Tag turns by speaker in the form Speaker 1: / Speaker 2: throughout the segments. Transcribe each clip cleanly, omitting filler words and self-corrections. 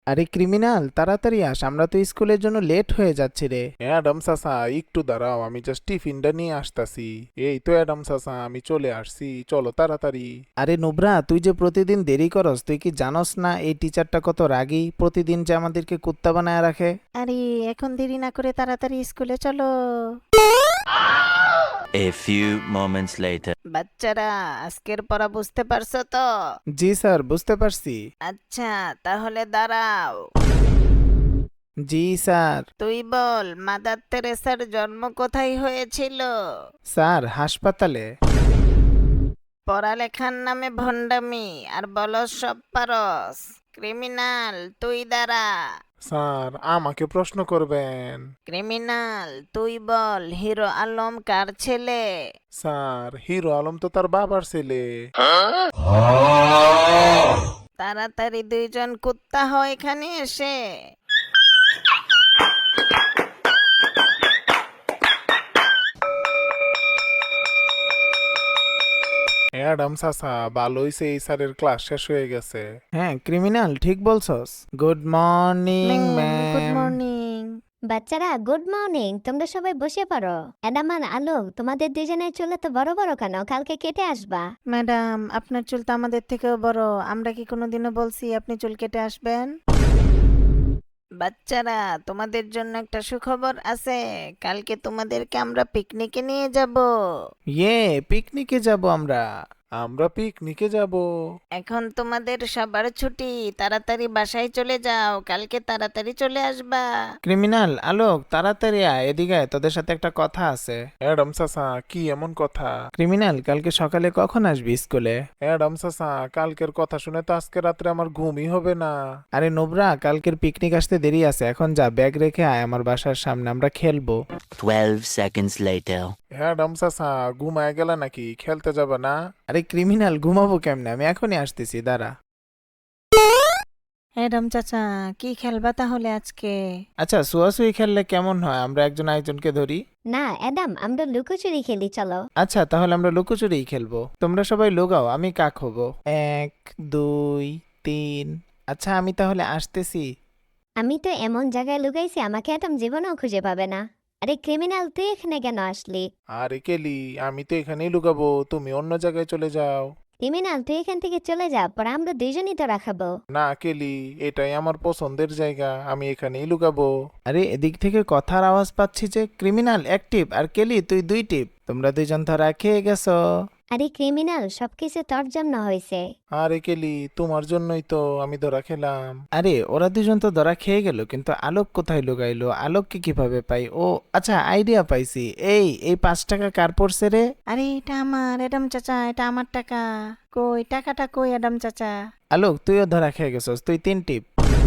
Speaker 1: আরে ক্রিমিনাল, তাড়াতাড়ি আস, আমরা তো স্কুলের জন্য লেট হয়ে যাচ্ছি রে।
Speaker 2: অ্যাডাম চাচা একটু দাঁড়াও, আমি জাস্ট টিফিনটা নিয়ে আসতাছি। এই তো অ্যাডাম চাচা, আমি চলে আসছি, চলো তাড়াতাড়ি।
Speaker 1: আরে নুবরা, তুই যে প্রতিদিন দেরি করস, তুই কি জানোস না এই টিচারটা কত রাগী, প্রতিদিন যে আমাদেরকে কুত্তা বানায় রাখে।
Speaker 3: আরে এখন দেরি না করে তাড়াতাড়ি স্কুলে চলো।
Speaker 4: A few moments later.
Speaker 3: বাচ্চারা, আজকের পড়া বুঝতে পারছো তো?
Speaker 1: জি স্যার, বুঝতে পারছি।
Speaker 3: আচ্ছা, তাহলে দাঁড়াও।
Speaker 1: জি স্যার।
Speaker 3: তুই বল, মাদার তেরেসার জন্ম কোথায় হয়েছিল?
Speaker 1: স্যার, হাসপাতালে।
Speaker 3: পড়ালেখার নামে ভণ্ডামি আর বলস সব পারস। ক্রিমিনাল, তুই দাঁড়া।
Speaker 2: স্যার, আমাকে প্রশ্ন করবেন?
Speaker 3: ক্রিমিনাল, তুই বল, হিরো আলম কার ছেলে?
Speaker 2: স্যার, হিরো আলম তো তার বাবার ছেলে।
Speaker 3: তাড়াতাড়ি দুইজন কুত্তা হয় এখানে এসে।
Speaker 2: অ্যাডাম চাচা, ভালো হইছে এই স্যারের ক্লাস শেষ হয়ে গেছে।
Speaker 1: হ্যাঁ ক্রিমিনাল, ঠিক বলছস। Good morning
Speaker 3: good
Speaker 1: ma'am.
Speaker 3: Morning.
Speaker 5: বাচ্চারা গুড মর্নিং, তোমরা সবাই বসে পড়ো। অ্যাডামান আলোক, তোমাদের দুজনের চুল তো বড় বড় কেন? কালকে কেটে আসবা।
Speaker 3: ম্যাডাম, আপনার চুল তো আমাদের থেকেও বড়। আমরা কি কোনোদিনও বলছি আপনি চুল কেটে আসবেন? বাচ্চারা, তোমাদের জন্য একটা সুখবর আছে। কালকে তোমাদেরকে আমরা পিকনিকে নিয়ে যাব।
Speaker 1: পিকনিকে যাব আমরা।
Speaker 2: আমরা পিকনিকে যাব?
Speaker 3: এখন তোমাদের সবার ছুটি, তাড়াতাড়ি বাসায় চলে যাও, কালকে তাড়াতাড়ি চলে আসবা।
Speaker 1: ক্রিমিনাল আলোক, তাড়াতাড়ি আয়, এদিকে আয়, তোদের সাথে একটা কথা আছে।
Speaker 2: অ্যাডাম চাচা, কি এমন কথা?
Speaker 1: ক্রিমিনাল, কালকে সকালে কখন আসবি স্কুলে?
Speaker 2: অ্যাডাম চাচা, কালকের কথা শুনে তো আজকে রাত্রে আমার ঘুমই হবে না।
Speaker 1: আরে নোবরা, কালকের পিকনিক আসতে দেরি আছে, এখন যা ব্যাগ রেখে আয় আমার বাসার সামনে, আমরা খেলবো।
Speaker 4: 12 seconds later.
Speaker 2: অ্যাডাম চাচা, ঘুমায় গেলে নাকি? খেলতে যাবে না?
Speaker 1: আরে ক্রিমিনাল, ঘুমাবো কেমনে, আমি এখনই আসতেছি, দাঁড়া।
Speaker 3: ম্যাডাম চাচা, কি খেলবা তাহলে আজকে?
Speaker 1: আচ্ছা, শুয়াশুয়ি খেললে কেমন হয়, আমরা একজন আরেকজনকে ধরি?
Speaker 5: না অ্যাডাম, আমরা লুকোচুরি খেলি, চলো।
Speaker 1: আচ্ছা, তাহলে আমরা লুকোচুরিই খেলবো। তোমরা সবাই লুকাও, আমি কাক হবো। 1 2 3। আচ্ছা, আমি তাহলে আসতেছি।
Speaker 5: আমি তো এমন জায়গায় লুকাইছি আমাকে অ্যাডাম জীবনেও খুঁজে পাবে না। আরে ক্রিমিনাল, তুই এখানে কেন আসলি?
Speaker 2: আরে কেলি, আমি তো এখানেই লুকাবো, তুমি অন্য জায়গায় চলে যাও।
Speaker 5: ক্রিমিনাল, তুই এখান থেকে চলে যা, পরে আমরা দুইজনই তো রাখাবো।
Speaker 2: না কেলি, এটাই আমার পছন্দের জায়গা, আমি এখানেই লুকাবো।
Speaker 1: আরে এদিক থেকে কথার আওয়াজ পাচ্ছি যে। ক্রিমিনাল অ্যাক্টিভ, আর কেলি তুই 2 টিপ। তোমরা দুইজন ধরা খেয়ে গেছো।
Speaker 5: আরে ক্রিমিনাল, সবকিছু তোর জন্য হয়েছে।
Speaker 2: আরে কেলি, তোমার জন্যই তো আমি ধরা খেলাম।
Speaker 1: আরে ওরা দুজন তো ধরা খেয়ে গেল, কিন্তু আলোক কোথায় লুকাইলো? আলোককে কিভাবে পাই? ও আচ্ছা, আইডিয়া পাইছি। এই 5 টাকা কার পড়ছে রে?
Speaker 3: আরে এটা আমার, অ্যাডাম চাচা, এটা আমার টাকা। কই টাকাটা, কই অ্যাডাম চাচা?
Speaker 1: আলোক, তুইও ধরা খেয়ে গেছস, তুই 3 টিপ।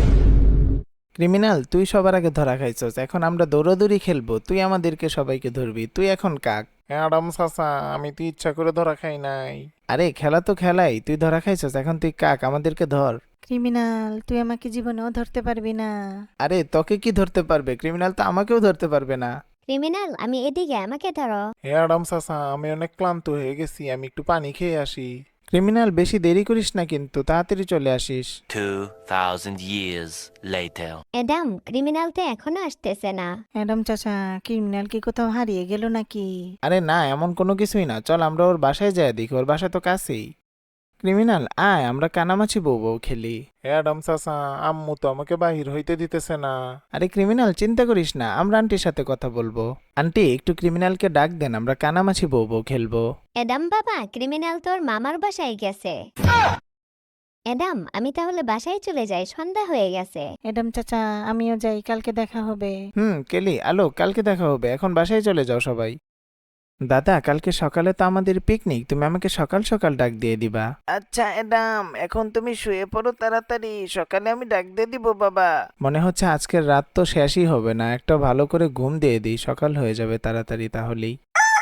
Speaker 1: ক্রিমিনাল, তুই সবার আগে ধরা খাইছস, এখন আমরা দৌড়াদৌড়ি খেলবো, তুই আমাদেরকে সবাইকে ধরবি, তুই এখন কাক।
Speaker 2: অ্যাডাম চাচা, আমি তো ইচ্ছা করে ধরা খাই নাই।
Speaker 1: আরে খেলা তো খেলাই, তুই ধরা খাইছস, এখন তুই কাক, আমাদেরকে ধর।
Speaker 3: ক্রিমিনাল, তুই আমাকে জীবনেও ধরতে পারবি না।
Speaker 1: আরে তোকে কি ধরতে পারবে? ক্রিমিনাল তো আমাকেও ধরতে পারবে না।
Speaker 5: ক্রিমিনাল, আমি এদিকে, আমাকে ধরো।
Speaker 2: অ্যাডাম চাচা, আমি অনেক ক্লান্ত হয়ে গেছি, আমি একটু পানি খেয়ে আসি।
Speaker 1: ক্রিমিনাল, বেশি দেরি করিস না কিন্তু, তাড়াতাড়ি চলে আসিস।
Speaker 4: 2000 years later.
Speaker 5: অ্যাডাম, ক্রিমিনাল তো এখনো আসতেছে না।
Speaker 3: অ্যাডাম চাচা, ক্রিমিনাল কি কোথাও হারিয়ে গেল নাকি?
Speaker 1: আরে না, এমন কোনো কিছুই না, চল আমরা ওর বাসায় যাই, দেখি, ওর বাসা তো কাছেই। ক্রিমিনাল আয়, আমরা কানামাছি বউ বউ খেলি।
Speaker 2: অ্যাডাম চাচা, আম্মু তো আমাকে বাহির হইতে দিতেছে না।
Speaker 1: আরে ক্রিমিনাল, চিন্তা করিস না, আমরা আন্টির সাথে কথা বলবো। আন্টি, একটু ক্রিমিনালকে ডাক দেন, আমরা কানামাছি বউ বউ খেলবো।
Speaker 5: অ্যাডাম বাবা, ক্রিমিনাল তোর মামার বাসায় গেছে। অ্যাডাম, আমি তাহলে বাসায় চলে যাই, সন্ধ্যা হয়ে গেছে।
Speaker 3: অ্যাডাম চাচা, আমিও যাই, কালকে দেখা হবে।
Speaker 1: কেলি, আলো, কালকে দেখা হবে, এখন বাসায় চলে যাও সবাই। দাদা, কালকে সকালে তো আমাদের পিকনিক, তুমি আমাকে সকাল সকাল ডাক দিয়ে দিবা।
Speaker 3: আচ্ছা অ্যাডাম, এখন তুমি শুয়ে পড়ো তাড়াতাড়ি, সকালে আমি ডাক দিয়ে দিব বাবা।
Speaker 1: মনে হচ্ছে আজকের রাত তো শেষই হবে না, একটা ভালো করে ঘুম দিয়ে দিই, সকাল হয়ে যাবে তাড়াতাড়ি তাহলেই।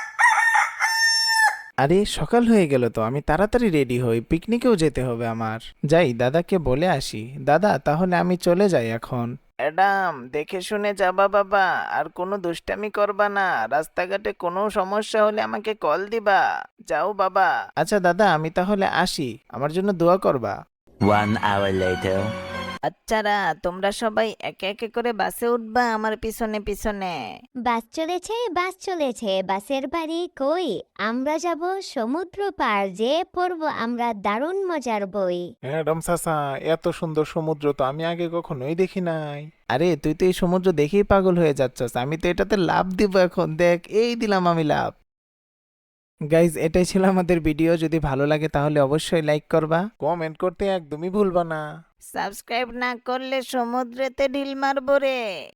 Speaker 1: আরে সকাল হয়ে গেল তো, আমি তাড়াতাড়ি রেডি হই, পিকনিকেও যেতে হবে আমার। যাই, দাদাকে বলে আসি। দাদা, তাহলে আমি চলে যাই এখন।
Speaker 3: অ্যাডাম, দেখে শুনে যাবা বাবা, আর কোনো দুষ্টামি করবা না, রাস্তাঘাটে কোনো সমস্যা হলে আমাকে কল দিবা। যাও বাবা।
Speaker 1: আচ্ছা দাদা, আমি তাহলে আসি, আমার জন্য দোয়া করবা।
Speaker 4: 1 hour later.
Speaker 3: বাচ্চারা তোমরা সবাই একে একে করে বাসে উঠবা আমার পিছনে পিছনে।
Speaker 5: বাস চলেছে, বাস চলেছে, বাসের বাড়ি কই? আমরা যাব সমুদ্র পার, যে পড়ব আমরা দারুণ মজার বই।
Speaker 2: অ্যাডাম চাচা, এত সুন্দর সমুদ্র তো আমি আগে কখনোই দেখি নাই।
Speaker 1: আরে তুই তো এই সমুদ্র দেখেই পাগল হয়ে যাচ্ছস, আমি তো এটাতে লাভ দিব এখন, দেখ এই দিলাম আমি লাভ। গাইজ, এটাই ছিল আমাদের ভিডিও। যদি ভালো লাগে তাহলে অবশ্যই লাইক করবা।
Speaker 2: কমেন্ট করতে একদমই ভুলবা না।
Speaker 3: সাবস্ক্রাইব না করলে সমুদ্রেতে ঢিল মারবো রে।